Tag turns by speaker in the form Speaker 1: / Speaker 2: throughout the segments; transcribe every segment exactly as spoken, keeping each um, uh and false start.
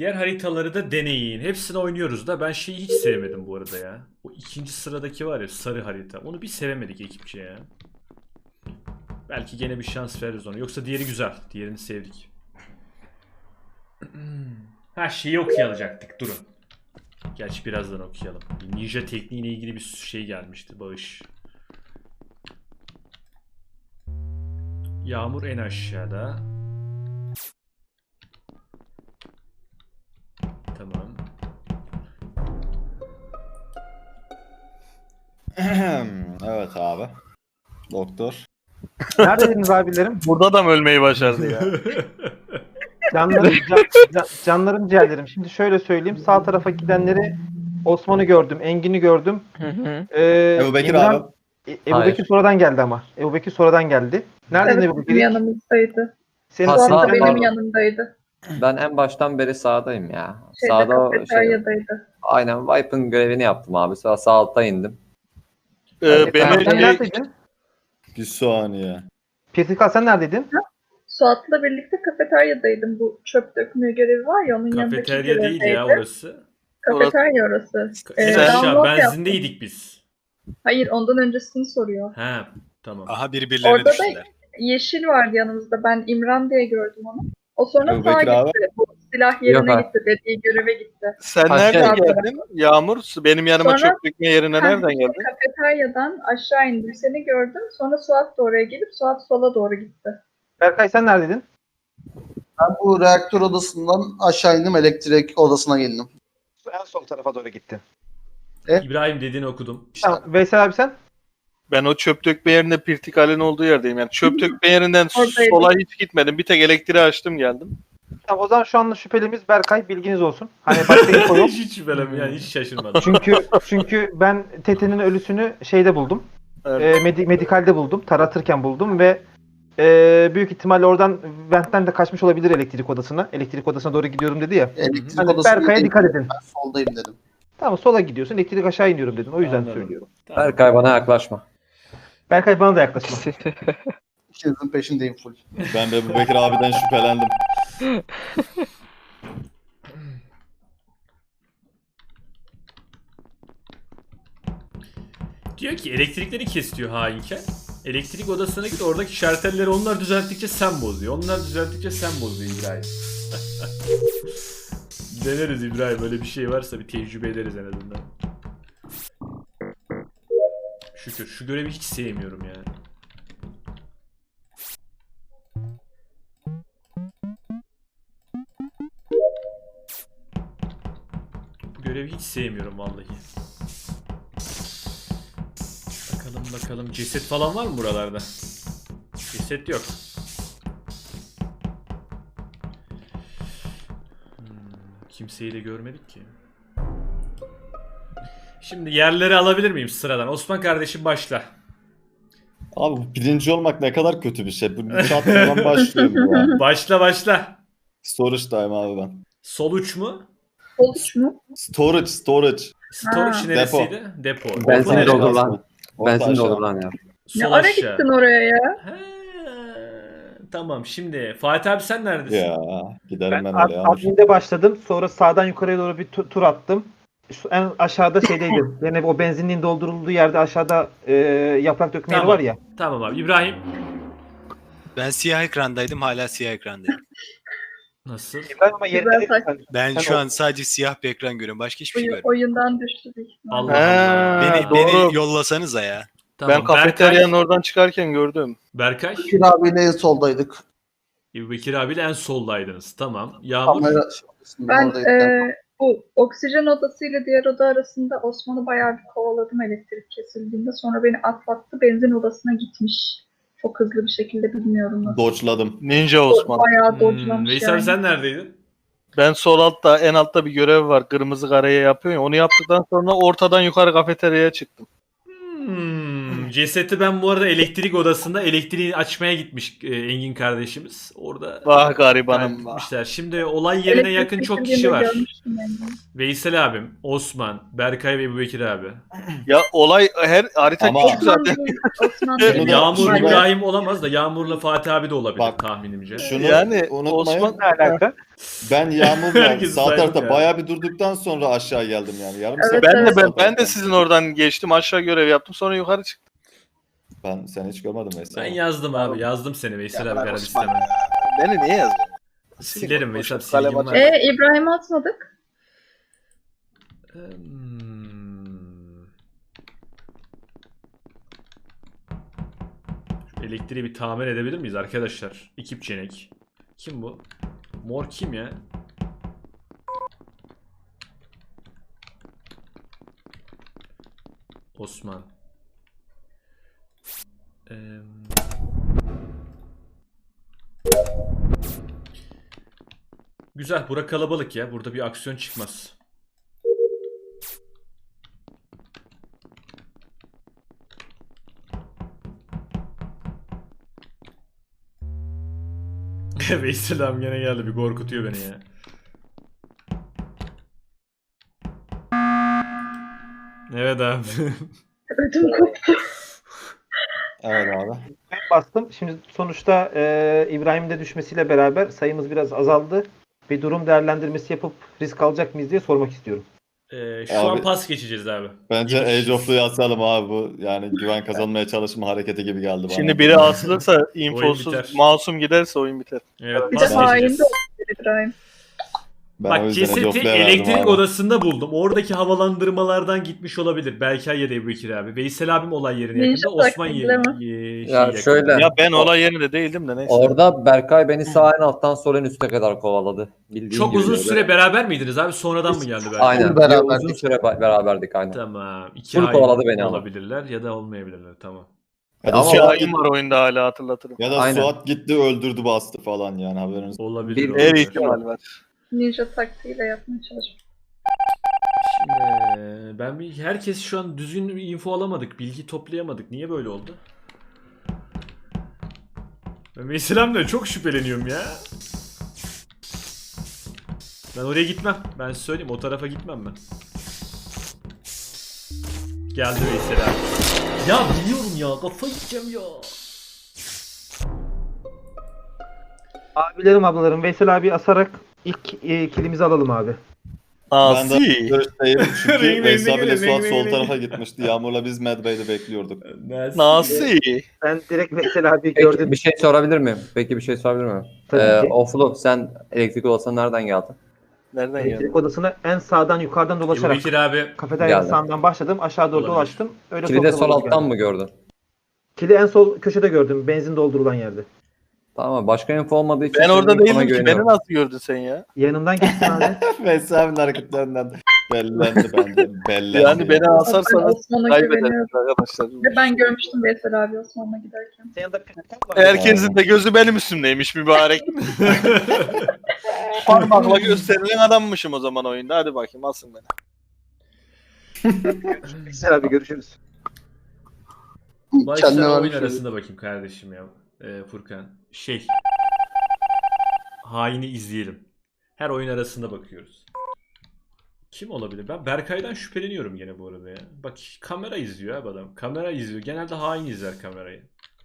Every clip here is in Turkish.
Speaker 1: Diğer haritaları da deneyin. Hepsini oynuyoruz da ben şeyi hiç sevmedim bu arada ya. O ikinci sıradaki var ya, sarı harita. Onu bir sevemedik ekipçe ya. Belki gene bir şans veririz ona. Yoksa diğeri güzel. Diğerini sevdik. Ha, şeyi okuyacaktık. Durun. Gerçi birazdan okuyalım. Bir ninja tekniğiyle ilgili bir şey gelmişti. Bağış. Yağmur en aşağıda. Tamam.
Speaker 2: Evet abi. Doktor.
Speaker 3: Neredeydiniz abilerim?
Speaker 4: Burada da mı ölmeyi başardı ya?
Speaker 3: Canlarım, can, can- canlarım ciğerlerim. Şimdi şöyle söyleyeyim. Sağ tarafa gidenleri Osman'ı gördüm, Engin'i gördüm. Ee,
Speaker 2: Ebu Bekir
Speaker 3: İmran-
Speaker 2: abi.
Speaker 3: E- Ebu Bekir sonradan geldi ama. Ebu Bekir sonradan geldi. Neredeydin
Speaker 5: Evet,
Speaker 3: Ebu
Speaker 5: bizim
Speaker 3: Bekir?
Speaker 5: yanımızdaydı.
Speaker 3: Senin,
Speaker 6: Ha,
Speaker 5: Suat
Speaker 6: sağ-
Speaker 5: da benim
Speaker 6: pardon.
Speaker 5: yanımdaydı.
Speaker 6: Ben en baştan beri sağdayım ya.
Speaker 5: Şeyde,
Speaker 6: Sağda o şey,
Speaker 5: kafeteryadaydı.
Speaker 6: aynen Vipe'ın görevini yaptım abi. Sonra sağ altta indim.
Speaker 4: Ee,
Speaker 6: Evet,
Speaker 4: beni
Speaker 3: sen
Speaker 6: ben-
Speaker 3: neredeydin?
Speaker 2: Bir saniye.
Speaker 3: Pirtikal sen neredeydin?
Speaker 5: Suat'la birlikte kafeteryadaydım. Bu çöp dökme görevi var ya, onun yanındaki
Speaker 1: Kafeterya değil ya
Speaker 5: görevdeydi.
Speaker 1: orası.
Speaker 5: Kafeterya orası.
Speaker 1: En
Speaker 5: Ee,
Speaker 1: aşağı
Speaker 5: download yaptım.
Speaker 1: benzindeydik biz.
Speaker 5: Hayır, ondan öncesini soruyor.
Speaker 1: Ha, tamam.
Speaker 7: Aha birbirlerine
Speaker 5: Orada da
Speaker 7: düştüler.
Speaker 5: yeşil vardı yanımızda. Ben İmran diye gördüm onu. O sonra
Speaker 2: Ebu
Speaker 5: sağa
Speaker 2: Bekir abi.
Speaker 5: gitti. Bu silah yerine
Speaker 6: Yok abi.
Speaker 5: gitti. Dediği göreve gitti.
Speaker 4: sen
Speaker 6: Ha,
Speaker 4: nereden
Speaker 5: şey-
Speaker 4: geldin? Yağmur benim yanıma
Speaker 5: Sonra-
Speaker 4: çöp dökme yerine nereden geldin?
Speaker 5: Kafeteryadan aşağı indim. Seni gördüm. Sonra Suat da oraya gelip Suat sola doğru gitti.
Speaker 3: Berkay sen neredeydin?
Speaker 8: Ben bu reaktör odasından aşağı indim, elektrik odasına geldim.
Speaker 3: En sol tarafa doğru gittin.
Speaker 1: İbrahim dediğini okudum.
Speaker 3: Tamam. Veysel abi sen?
Speaker 4: Ben o çöp dökme yerinde Pirtikal'in olduğu yerdeyim. Yani çöp dökme yerinden
Speaker 5: Oradaydım.
Speaker 4: sola hiç gitmedim. Bir tek elektriği açtım geldim.
Speaker 3: Tamam, o zaman şu anda şüphelimiz Berkay, bilginiz olsun. Hani başka info yok.
Speaker 1: hiç şüphelenmiyorum yani, hiç şaşırmadım.
Speaker 3: Çünkü çünkü ben Tete'nin ölüsünü şeyde buldum.
Speaker 4: Evet.
Speaker 3: E, medi- medikalde buldum. Taratırken buldum ve e, büyük ihtimalle oradan ventten de kaçmış olabilir elektrik odasına. Elektrik odasına doğru gidiyorum dedi ya.
Speaker 8: Elektrik
Speaker 3: Hani
Speaker 8: odasına
Speaker 3: Berkay'a
Speaker 8: geldim.
Speaker 3: dikkat edin.
Speaker 8: Ben soldayım dedim.
Speaker 3: Tamam, sola gidiyorsun. Elektrik aşağı iniyorum dedin. O yüzden
Speaker 1: Anladım.
Speaker 3: söylüyorum.
Speaker 1: Tamam.
Speaker 6: Berkay bana yaklaşma.
Speaker 3: Berkay bana da yaklaşma.
Speaker 8: İkinizin peşindeyim full.
Speaker 2: Ben de Ebu Bekir abiden şüphelendim.
Speaker 1: Diyor ki elektrikleri kes diyor hainken. Elektrik odasına git, oradaki şartelleri onlar düzelttikçe sen bozuyor. Onlar düzelttikçe sen bozuyor İbrahim. Deneriz İbrahim, böyle bir şey varsa bir tecrübe ederiz en azından. Şükür, şu görevi hiç sevmiyorum ya. Bu görevi hiç sevmiyorum vallahi. Bakalım bakalım, ceset falan var mı buralarda? Ceset yok. Hmm, kimseyi de görmedik ki. Şimdi yerleri alabilir miyim sıradan? Osman kardeşim başla.
Speaker 2: Abi bu birinci olmak ne kadar kötü bir şey. Bu çatladan başlıyorum bu ya.
Speaker 1: Başla başla.
Speaker 2: Storage'dayım abi ben.
Speaker 1: Sol uç mu?
Speaker 5: Oluş mu?
Speaker 2: Storage, storage.
Speaker 1: Storage
Speaker 5: Ha.
Speaker 1: neresiydi? Depo. Depo.
Speaker 6: Benzin
Speaker 1: neresi?
Speaker 6: doldur lan.
Speaker 2: Orta
Speaker 6: Benzin
Speaker 2: aşağı.
Speaker 6: doldur lan ya.
Speaker 1: Sol
Speaker 5: Ne ara
Speaker 1: aşağı.
Speaker 5: gittin oraya ya?
Speaker 1: Ha, tamam, şimdi Fatih abi sen neredesin?
Speaker 2: Ya giderim
Speaker 3: Ben
Speaker 2: ben,
Speaker 3: ad-
Speaker 2: öyle ya.
Speaker 3: adminde başladım. Sonra sağdan yukarıya doğru bir tu- tur attım. Şu- En aşağıda şeydeydim. Yani o benzinliğin doldurulduğu yerde aşağıda e, yaprak dökme yeri
Speaker 1: Tamam.
Speaker 3: var ya.
Speaker 1: Tamam abi. İbrahim.
Speaker 7: Ben siyah ekrandaydım, hala siyah ekrandayım.
Speaker 1: Nasıl?
Speaker 3: İbrahim ama yeri
Speaker 5: Güzel
Speaker 3: değil
Speaker 5: saç-
Speaker 3: sen.
Speaker 7: Ben
Speaker 3: Sen
Speaker 7: şu
Speaker 3: o-
Speaker 7: an sadece siyah bir ekran görüyorum. Başka hiçbir şey
Speaker 5: Oyun,
Speaker 7: görmüyorum.
Speaker 5: oyundan düştü büyük ihtimalle.
Speaker 1: Allah
Speaker 4: Ha,
Speaker 1: Allah.
Speaker 7: Beni,
Speaker 4: doğru.
Speaker 7: beni yollasanıza ya.
Speaker 1: Tamam.
Speaker 4: Ben kafeteryanın oradan çıkarken gördüm.
Speaker 1: Berkay.
Speaker 8: Bekir abiyle en soldaydık.
Speaker 1: Ebu Bekir abiyle en soldaydınız. Tamam. Yağmur.
Speaker 8: Kamera
Speaker 5: Ben
Speaker 8: oradaydık.
Speaker 5: e, bu oksijen odasıyla diğer oda arasında Osman'ı bayağı bir kovaladım elektrik kesildiğinde. Sonra beni atlattı, benzin odasına gitmiş. Çok hızlı bir şekilde, bilmiyorum nasıl.
Speaker 2: Dodge'ladım.
Speaker 4: Ninja Osman.
Speaker 5: Bayağı
Speaker 1: Hmm,
Speaker 5: dodge'lamış
Speaker 1: Veysel
Speaker 5: yani.
Speaker 1: sen neredeydin?
Speaker 4: Ben sol altta, en altta bir görev var. Kırmızı kareye yapıyor ya. Onu yaptıktan sonra ortadan yukarı kafeteryaya çıktım.
Speaker 1: Hmm, Şimdi cesedi ben bu arada elektrik odasında elektriği açmaya gitmiş e, Engin kardeşimiz. Orada
Speaker 4: Vah garibanım vah.
Speaker 1: kaybetmişler. Şimdi olay yerine
Speaker 5: Elektrik
Speaker 1: yakın çok kişi
Speaker 5: kesildiğinde
Speaker 1: var.
Speaker 5: görmüştüm yani.
Speaker 1: Veysel abim, Osman, Berkay ve Ebubekir abi.
Speaker 4: Ya olay her harita
Speaker 2: Ama-
Speaker 4: küçük
Speaker 5: Osman
Speaker 4: zaten.
Speaker 5: değil, Osman
Speaker 2: Şunu
Speaker 5: değil.
Speaker 2: da-
Speaker 1: Yağmur
Speaker 2: şunu da-
Speaker 1: İbrahim olamaz da Yağmur'la Fatih abi de olabilir
Speaker 2: Bak,
Speaker 1: tahminimce.
Speaker 2: Şunu
Speaker 4: Yani
Speaker 2: unutmayın.
Speaker 4: Osman-
Speaker 3: Ne alaka?
Speaker 2: Ben Yağmur'la
Speaker 1: Herkesi
Speaker 2: sağ
Speaker 1: saydık
Speaker 2: tarafta
Speaker 1: yani.
Speaker 2: bayağı bir durduktan sonra aşağı geldim yani. Yarım
Speaker 5: Evet,
Speaker 2: saat.
Speaker 4: Ben de
Speaker 5: evet.
Speaker 4: ben, ben de sizin oradan geçtim aşağı görev yaptım sonra yukarı çıktım.
Speaker 2: Ben seni hiç görmedim mesela.
Speaker 1: Ben yazdım abi. Yazdım seni Veysel
Speaker 4: Ya
Speaker 1: abi
Speaker 4: bırak
Speaker 1: karar
Speaker 4: Osman
Speaker 1: isteme.
Speaker 4: Beni niye yazdın?
Speaker 1: Silerim Veysel
Speaker 4: Boşuna kalem
Speaker 1: silgim var.
Speaker 4: atma.
Speaker 5: E İbrahim'i atmadık.
Speaker 1: Hmm. Şu elektriği bir tamir edebilir miyiz arkadaşlar? Ekip Cenek. Kim bu? Mor kim ya? Osman. Eee... Güzel. Bura kalabalık ya. Burada bir aksiyon çıkmaz. Veysel abi gene geldi. Bir korkutuyor beni ya. Evet abi.
Speaker 5: Ödüm koptu.
Speaker 2: Evet abi.
Speaker 3: Ben bastım. Şimdi sonuçta e, İbrahim'in de düşmesiyle beraber sayımız biraz azaldı. Bir durum değerlendirmesi yapıp risk alacak mıyız diye sormak istiyorum.
Speaker 1: Ee, şu an
Speaker 2: Abi-
Speaker 1: pas geçeceğiz abi.
Speaker 2: Bence
Speaker 1: Giriş.
Speaker 2: Age of'lu yazalım abi bu. Yani güven kazanmaya çalışma hareketi gibi geldi bana.
Speaker 4: Şimdi biri asılırsa infosuz
Speaker 1: biter.
Speaker 4: masum giderse oyun biter.
Speaker 1: Evet,
Speaker 5: Bir de
Speaker 1: pas
Speaker 5: hain
Speaker 1: geçeceğiz.
Speaker 5: de olabilir İbrahim.
Speaker 2: Ben o
Speaker 1: Bak
Speaker 2: yüzden Age
Speaker 1: cesedi
Speaker 2: of'luya verdim
Speaker 1: elektrik
Speaker 2: abi.
Speaker 1: odasında buldum. Oradaki havalandırmalardan gitmiş olabilir. Berkay ya da Ebubekir abi. Veysel abim olay yerine
Speaker 5: Ninja
Speaker 1: yakında. Osman
Speaker 5: taklidi
Speaker 1: yerine.
Speaker 5: mi?
Speaker 1: Ye- şey
Speaker 6: Ya
Speaker 1: yakında.
Speaker 6: şöyle-
Speaker 4: Ya ben olay yerinde değildim de neyse.
Speaker 6: Orada Berkay beni sağ en alttan sol en üste kadar kovaladı. Bildiğin
Speaker 1: Çok
Speaker 6: gibi
Speaker 1: uzun
Speaker 6: böyle.
Speaker 1: süre beraber miydiniz abi? Sonradan mı geldi Berkay?
Speaker 6: Aynen.
Speaker 8: Full beraberdik.
Speaker 6: Uzun süre ba- beraberdik aynen.
Speaker 1: Tamam. İki
Speaker 6: Full
Speaker 1: hain
Speaker 6: kovaladı beni ama.
Speaker 1: olabilirler ya da olmayabilirler. Tamam.
Speaker 2: Ya da
Speaker 6: Ama
Speaker 4: İki
Speaker 2: Suat,
Speaker 4: hain var oyunda hala hatırlatırım.
Speaker 2: ya da
Speaker 6: Aynen.
Speaker 2: Suat gitti öldürdü bastı falan yani haberiniz.
Speaker 1: Olabilir.
Speaker 6: Bir-
Speaker 1: olabilir.
Speaker 4: Her ihtimal var.
Speaker 5: Ninja taktiğiyle yapmaya çalışıyorum.
Speaker 1: Şimdi ben bir herkes şu an düzgün bir info alamadık. Bilgi toplayamadık. Niye böyle oldu? Ben Veysel'imle çok şüpheleniyorum ya. Ben oraya gitmem. Ben size söyleyeyim o tarafa gitmem ben. Geldi Veysel abi. Ya biliyorum ya kafa yiyeceğim ya.
Speaker 3: Abilerim ablalarım Veysel abi asarak ilk e, kilimizi alalım abi.
Speaker 2: Ben de
Speaker 4: Asi.
Speaker 2: görüşteyim
Speaker 1: Ring,
Speaker 2: çünkü
Speaker 1: ring,
Speaker 2: Veysel
Speaker 1: ring,
Speaker 2: abiyle
Speaker 1: ring,
Speaker 2: Suat
Speaker 1: ring,
Speaker 2: sol
Speaker 1: ring.
Speaker 2: tarafa gitmişti. Yağmur'la biz Medbay'de bekliyorduk.
Speaker 4: Nasi.
Speaker 3: Ben direkt Veysel abi
Speaker 6: Peki
Speaker 3: gördüm.
Speaker 6: bir şey sorabilir miyim? Peki bir şey sorabilir miyim?
Speaker 3: Tabii
Speaker 6: Ee,
Speaker 3: ki.
Speaker 6: Oflu sen elektrik odasına nereden geldin?
Speaker 4: Nereden geldi?
Speaker 3: Elektrik odasına en sağdan yukarıdan dolaşarak
Speaker 1: Ebubekir abi
Speaker 3: kafeteryanın
Speaker 6: Geldim.
Speaker 3: sağından başladım. Aşağı doğru
Speaker 1: Olabilir.
Speaker 3: dolaştım. Öyle
Speaker 6: Kilide
Speaker 3: sol
Speaker 6: sol
Speaker 3: tarafa
Speaker 6: alttan
Speaker 3: geldim.
Speaker 6: mı gördün?
Speaker 3: Kili en sol köşede gördüm. Benzin doldurulan yerde.
Speaker 6: Tamam başka info olmadığı için
Speaker 4: Ben orada
Speaker 6: senin infona
Speaker 4: değildim ki. Beni
Speaker 6: güveniyorum.
Speaker 4: nasıl gördün sen ya?
Speaker 3: Yanımdan geçtin abi.
Speaker 2: Veysel abinin hareketlerinden bellendi bence. Bellendi.
Speaker 4: Yani beni
Speaker 5: Ben
Speaker 4: asarsanız
Speaker 5: Osman'a
Speaker 4: kaybedersiniz
Speaker 5: güveniyorum.
Speaker 4: arkadaşlar.
Speaker 5: Ve ben görmüştüm Veysel abi Osman'la giderken.
Speaker 3: Senin yanında pirkat var.
Speaker 4: Herkesin de gözü benim üstümdeymiş mübarek. Parmakla gösterilen adammışım o zaman oyunda. Hadi bakayım asın beni.
Speaker 3: Veysel abi görüşürüz.
Speaker 8: Kendine
Speaker 1: başla oyun
Speaker 8: vermiş oluyor.
Speaker 1: arasında bakayım kardeşim ya. Ee, Furkan. Şey. Haini izleyelim. Her oyun arasında bakıyoruz. Kim olabilir? Ben Berkay'dan şüpheleniyorum gene bu arada ya. Bak kamera izliyor abi adam. Kamera izliyor. Genelde hain izler kamerayı.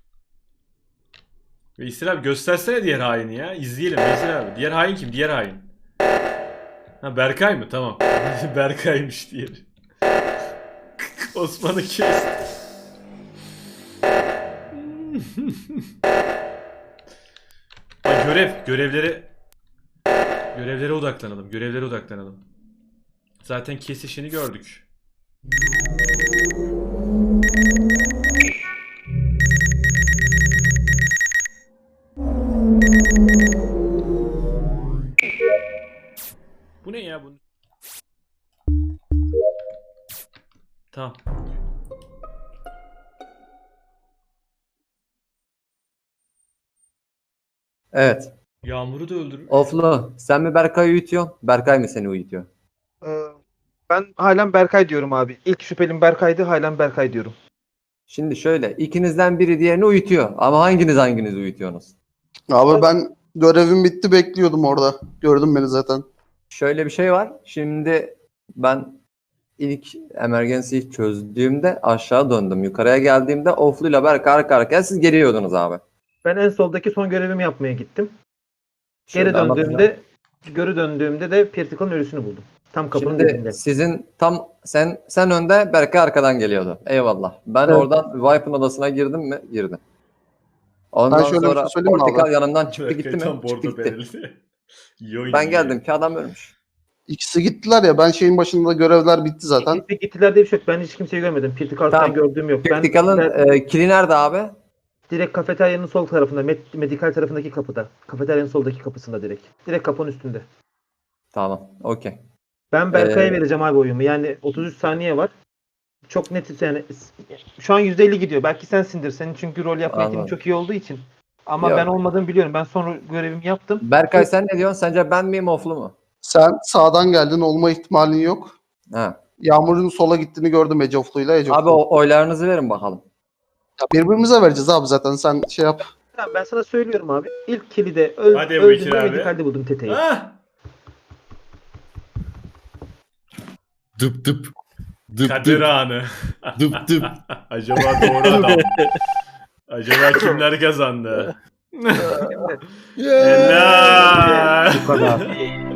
Speaker 1: Veysel abi göstersene diğer haini ya. İzleyelim Veysel abi. Diğer hain kim? Diğer hain. Ha Berkay mı? Tamam. Berkay'mış diğeri. Osman'ı kes. Ha, görev. Görevlere Görevlere odaklanalım. Görevlere odaklanalım. Zaten kesişini gördük. Bu ne ya bu? Tamam.
Speaker 6: Evet.
Speaker 1: Yağmur'u da öldürür.
Speaker 6: Oflu sen mi Berkay'ı uyutuyorsun? Berkay mı seni uyutuyor?
Speaker 3: Ee, ben halen Berkay diyorum abi. İlk şüphelim Berkay'dı. Halen Berkay diyorum.
Speaker 6: Şimdi şöyle ikinizden biri diğerini uyutuyor. Ama hanginiz hanginizi uyutuyorsunuz?
Speaker 8: Abi ben görevim bitti bekliyordum orada. Gördün beni zaten.
Speaker 6: Şöyle bir şey var. Şimdi ben ilk emergency'yi çözdüğümde aşağı döndüm. Yukarıya geldiğimde Oflu ile Berk arka arkaya siz geliyordunuz abi.
Speaker 3: Ben en soldaki son görevimi yapmaya gittim. Geri
Speaker 6: Şöyle anlatacağım.
Speaker 3: döndüğümde geri döndüğümde de Pirtikal'ın ölüsünü buldum. Tam kapının
Speaker 6: Şimdi
Speaker 3: dibinde.
Speaker 6: sizin tam sen sen önde Berke arkadan geliyordu. Eyvallah. Ben
Speaker 3: Evet.
Speaker 6: oradan Vipe'ın odasına girdim mi? Girdim. Ondan
Speaker 8: Ben şöyle bir
Speaker 6: sonra
Speaker 8: şey söyleyeyim mi
Speaker 6: Portakal
Speaker 8: abi?
Speaker 6: yanından çıktı gitti
Speaker 1: Berkay tam
Speaker 6: mi? Çıktı
Speaker 1: bordo
Speaker 6: gitti.
Speaker 1: bereli. İyi oynuyor
Speaker 6: Ben
Speaker 1: ya.
Speaker 6: geldim ki adam ölmüş.
Speaker 8: İkisi gittiler ya. Ben şeyin başında görevler bitti zaten.
Speaker 3: Gitti, gittiler diye bir şey yok. Ben hiç kimseyi görmedim. Pirtikal'dan
Speaker 6: Tamam.
Speaker 3: gördüğüm yok. Ben,
Speaker 6: Portakal'ın
Speaker 3: ben
Speaker 6: e, kili nerede abi?
Speaker 3: direkt kafeteryanın sol tarafında, med- medikal tarafındaki kapıda. Kafeteryanın soldaki kapısında direkt. Direkt kapının üstünde.
Speaker 6: Tamam. Okey.
Speaker 3: Ben Berkay'a
Speaker 6: Ee,
Speaker 3: vereceğim abi oyumu. Yani otuz üç saniye var. Çok net yani şu an yüzde elli gidiyor. Belki sensindir. Senin çünkü rol yapma eğitimin
Speaker 6: Anladım.
Speaker 3: çok iyi olduğu için. Ama
Speaker 6: Yok.
Speaker 3: ben olmadığımı biliyorum. Ben sonra görevimi yaptım.
Speaker 6: Berkay sen ne diyorsun? Sence ben miyim Oflu mu?
Speaker 8: Sen sağdan geldin. Olma ihtimalin yok.
Speaker 6: Ha.
Speaker 8: Yağmur'un sola gittiğini gördüm Ecoflu'yla. Ecoflu.
Speaker 6: Abi o oylarınızı verin bakalım.
Speaker 8: Ya birbirimize vereceğiz abi zaten. Sen şey yap.
Speaker 3: Tamam, ben sana söylüyorum abi. İlk kili de öl,
Speaker 1: Hadi Ebu Bekir
Speaker 3: öldüğümde
Speaker 1: abi.
Speaker 3: medikalde buldum Tete'yi.
Speaker 1: Ah!
Speaker 2: Dıp dıp. Dıp
Speaker 1: Kader
Speaker 2: dıp.
Speaker 1: anı.
Speaker 2: Dıp dıp.
Speaker 1: Acaba doğru adam. Acaba kimler kazandı?
Speaker 3: Şimdi
Speaker 1: Helal.
Speaker 3: bu kadar.